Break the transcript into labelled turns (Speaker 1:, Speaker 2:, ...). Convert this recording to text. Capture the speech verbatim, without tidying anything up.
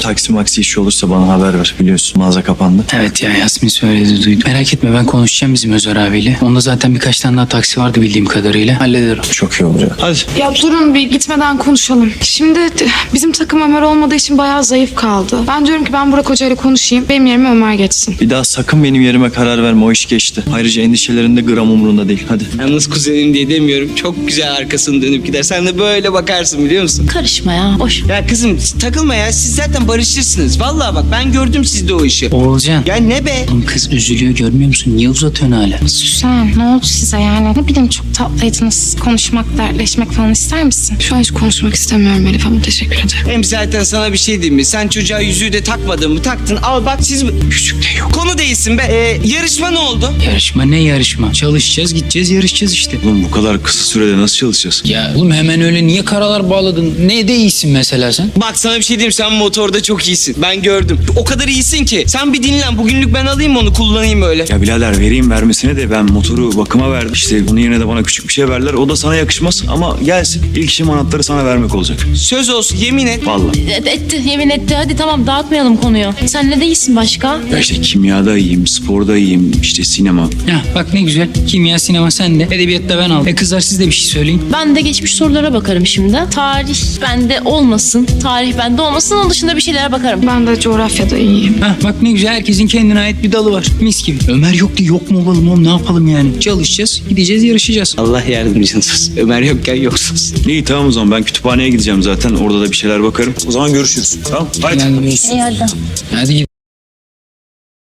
Speaker 1: taksi maksi işi olursa bana haber ver. Biliyorsun mağaza kapandı.
Speaker 2: Evet ya, Yasmin söyledi, duydum. Merak etme, ben konuşacağım bizim Özer abiyle. Onda zaten birkaç tane daha taksi vardı bildiğim kadarıyla. Hallederim.
Speaker 1: Çok iyi olacak. Hadi.
Speaker 3: Ya durun bir gitmeden konuşalım. Şimdi d- bizim takım Ömer olmadığı için bayağı zayıf kaldı. Ben diyorum ki ben Burak Hoca ile konuşayım. Benim yerime Ömer geçsin.
Speaker 1: Bir daha sakın benim yerime karar verme. O iş geçti. Ayrıca endişelerinde gram umurunda değil. Hadi.
Speaker 4: Yalnız kuzenim diye demiyorum. Çok güzel arkasını dönüp gider. Sen de böyle bakarsın biliyor musun?
Speaker 5: Karışma ya, boş.
Speaker 4: Ya kızım takılma ya. Siz zaten barışırsınız. Vallahi bak ben gördüm sizde o işi.
Speaker 2: Oğulcan.
Speaker 4: Ya ne be?
Speaker 2: Oğlum kız üzülüyor, görmüyor musun? Niye uzatıyorsun hala?
Speaker 3: Süsen ne oldu size yani? Ne bileyim çok tatlıydınız. Konuşmak, dertleşmek falan ister misin? Şu an hiç konuşmak istemiyorum Elif ama teşekkür ederim.
Speaker 4: Hem zaten sana bir şey diyeyim mi? Sen çocuğa yüzüğü de takmadın mı? Taktın. Al bak siz... Küçük de yok. Konu değilsin be. Ee, yarışma ne oldu?
Speaker 2: Yarışma ne yarışma? Çalışacağız, gideceğiz, yarışacağız işte.
Speaker 1: Oğlum bu kadar kısa sürede nasıl çalışacağız?
Speaker 2: Ya oğlum hemen öyle niye karalar bağladın? Ne de iyisin mesela sen?
Speaker 4: Bak sana bir şey diyeyim. Sen motorda çok iyisin. Ben gördüm. O kadar iyisin ki. Sen bir dinlen. Bugünlük ben alayım onu kullanayım öyle.
Speaker 1: Ya birader vereyim vermesine de ben motoru bakıma verdim. İşte bunun yerine de bana küçük bir şey verdiler. O da sana yakışmaz ama gelsin. İlk işim anahtarı sana vermek olacak.
Speaker 4: Söz olsun yemin et.
Speaker 1: Vallahi.
Speaker 5: Et- Etti, yemin etti. Hadi tamam, dağıtmayalım konuyu. Sen ne değilsin başka?
Speaker 1: Ya işte kimyada iyiyim, sporda iyiyim, işte sinema.
Speaker 2: Ya bak ne güzel. Kimya, sinema sende. Edebiyatta ben aldım. E kızlar siz de bir şey söyleyin.
Speaker 5: Ben de geçmiş sorulara bakarım şimdi. Tarih bende olmasın. Tarih bende olmasın. Onun dışında bir şeylere bakarım.
Speaker 3: Ben de coğrafyada iyiyim.
Speaker 2: Ha bak ne güzel, herkesin kendine ait bir dalı var. Mis gibi. Ömer yok diye yok mu olalım oğlum, ne yapalım yani? Çalışacağız, gideceğiz, yarışacağız.
Speaker 4: Allah yardımcınız olsun. Ömer yokken yoksunuz.
Speaker 1: İyi tamam o zaman ben kütüphaneye gideceğim zaten. Orada da bir şeyler bakarım. O zaman görüşürüz. Tamam. Haydi.
Speaker 2: Yani görüşürüz.
Speaker 5: İyi hadi.
Speaker 2: Hadi gidelim.